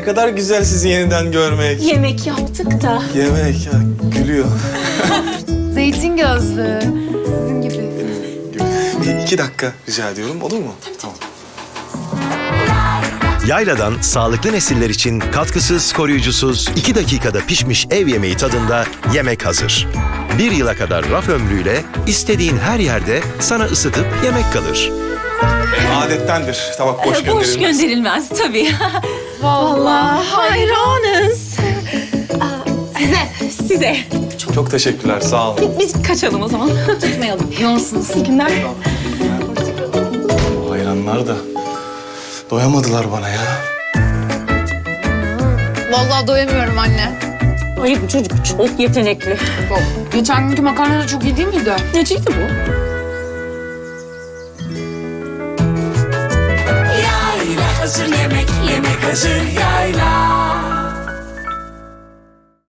ne kadar güzel sizi yeniden görmek. Yemek yaptık da. Yemek ya, gülüyor. Zeytin gözlü. Sizin gibi. Bir 2 dakika rica ediyorum, olur mu? Tamam. Yayla'dan sağlıklı nesiller için katkısız, koruyucusuz, 2 dakikada pişmiş ev yemeği tadında yemek hazır. 1 yıla kadar raf ömrüyle istediğin her yerde sana ısıtıp yemek kalır. Adettendir, tabak boş gönderilmez. Boş gönderilmez tabii. Vallahi Hayranız. Size. Çok teşekkürler, sağ olun. Biz kaçalım o zaman. Tutmayalım. Yoğunsunuz. İyi günler. Bu hayranlar da doyamadılar bana ya. Vallahi doyamıyorum anne. Ay bu çocuk çok yetenekli. Geçen günkü makarna da çok iyi değil miydi? Neciydi bu? Yayla hazır yemek, yemek hazır yayla.